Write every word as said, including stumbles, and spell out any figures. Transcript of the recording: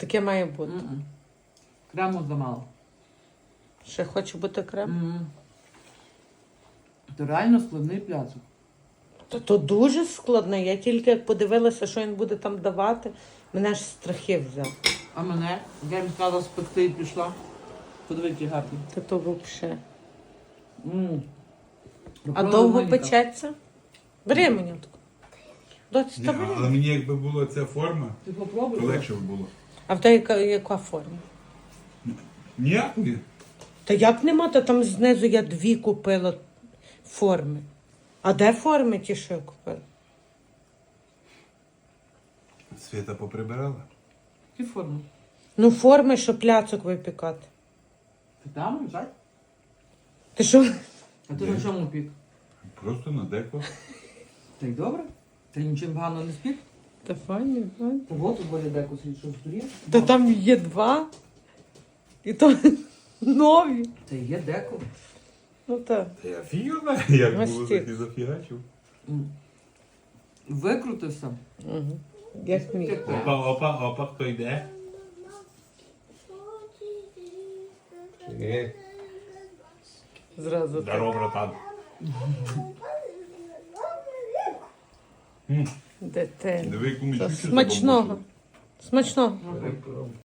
Таке має бути. М-м. Крему замало. Ще хоче бути крем. М. То реально складний пляцок. Та то дуже складно. Я тільки як подивилася, що він буде там давати, мене ж страхи взяв. А мене? Я їм сказала спекти і пішла. Подиви, які гарні. Та то взагалі. М. А Попробуй довго Моніка. печеться? Бери мені таку. Доці, Ні, та бери. але мені якби була ця форма, Ти то попробуй. легше б було. А в тебе яка, яка форма? Ніякої. Та як нема, то там знизу я дві купила форми. А де форми ті, що я купила? Свята поприбирала. Які форми? Ну, форми, щоб пляцок випікати. Ти там, так? Ти що? А ти Де? на чому пік? Просто на деко. Та й добре? Ти нічим погано не спік? Та файні, файні. Та от у болі деку сидить, що здурів. Та там є два. І то нові. Та є деко. Ну так. Та я фігала, як було Мастик. так і зафігачив. М. Викрутився. Угу. Як мій. Опа, опа, опа, хто йде? Е, Зразу. так. Здорово, братан. М, Дитина. Диви, яку Та мічучу Смачного. забамбушили. Смачного. Ну,